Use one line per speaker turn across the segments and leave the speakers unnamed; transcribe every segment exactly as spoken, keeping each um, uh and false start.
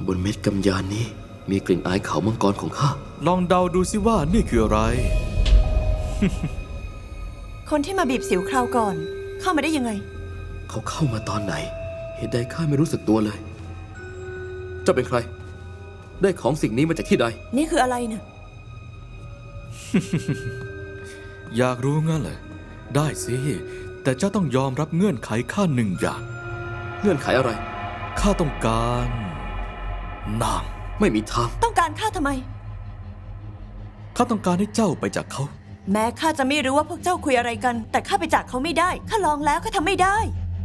บนเม็ดกำยานนี้มีกลิ่นอายเขามังกรของข้า
ลองเดาดูสิว่านี่คืออะไร
คนที่มาบีบสิวคราวก่อนเข้ามาได้ยังไง
เขาเข้ามาตอนไหนเหตุใดข้าไม่รู้สึกตัวเลยเจ้าเป็นใครได้ของสิ่งนี้มาจากที่ใด
นี่คืออะไรนะ
อยากรู้งั้นเหรอได้สิแต่เจ้าต้องยอมรับเงื่อนไขข้าหนึ่งอย่าง
เงื่อนไขอะไร
ข้าต้องการนาง
ไม่มีทาง
ต้องการข้าทำไม
ข้าต้องการให้เจ้าไปจากเขา
แม้ข้าจะไม่รู้ว่าพวกเจ้าคุยอะไรกันแต่ข้าไปจากเขาไม่ได้ข้าลองแล้วข้าทำไม่ได้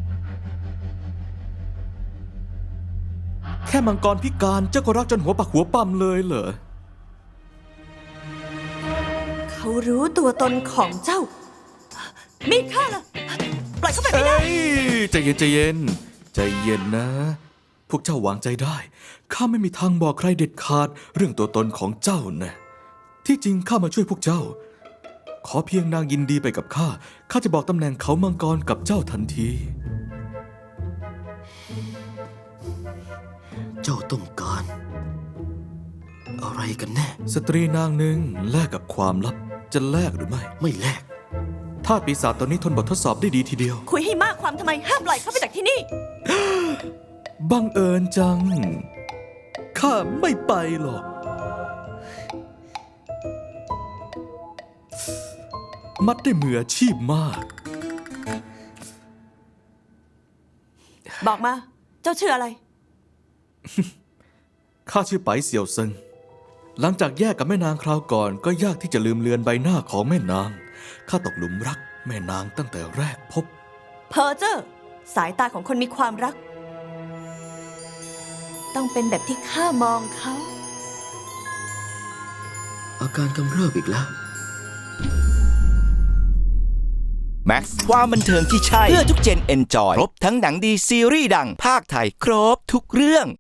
แค่มังกรพิการเจ้าก็รักจนหัวปักหัวปั๊มเลยเหรอ
เขารู้ตัวตนของเจ้ามีดข้าล่ะปล่อยเขาไปไม่ได้
ใจเย็นใจเย็นใจเย็นนะพวกเจ้าวางใจได้ข้าไม่มีทางบอกใครเด็ดขาดเรื่องตัวตนของเจ้านะที่จริงข้ามาช่วยพวกเจ้าขอเพียงนางยินดีไปกับข้าข้าจะบอกตำแหน่งเขามังกรกับเจ้าทันที
เจ้าต้องการอะไรกันแน่
สตรีนางหนึ่งแลกกับความลับจะแลกหรือไม่
ไม่แลก
ธาตุปีศาจตอนนี้ทนบททดสอบได้ดีทีเดียว
คุยให้มากความทำไมห้ามปล่อยเขาไปจากที่นี่
บังเอิญจังข้าไม่ไปหรอกมัดได้มืออาชีพมาก
บอกมาเจ้าชื่ออะไร
ข้าชื่อไปเสี่ยวเซิงหลังจากแยกกับแม่นางคราวก่อนก็ยากที่จะลืมเลือนใบหน้าของแม่นางข้าตกหลุมรักแม่นางตั้งแต่แรกพบ
เพอเจอร์สายตาของคนมีความรักต้องเป็นแบบที่ข้ามองเขา
อาการกำเริบอีกแล้ว
แม็กซ์ความบันเทิงที่ใช่เพื่อทุกเจนเอนจอยครบทั้งหนังดีซีรีส์ดังภาคไทยครบทุกเรื่อง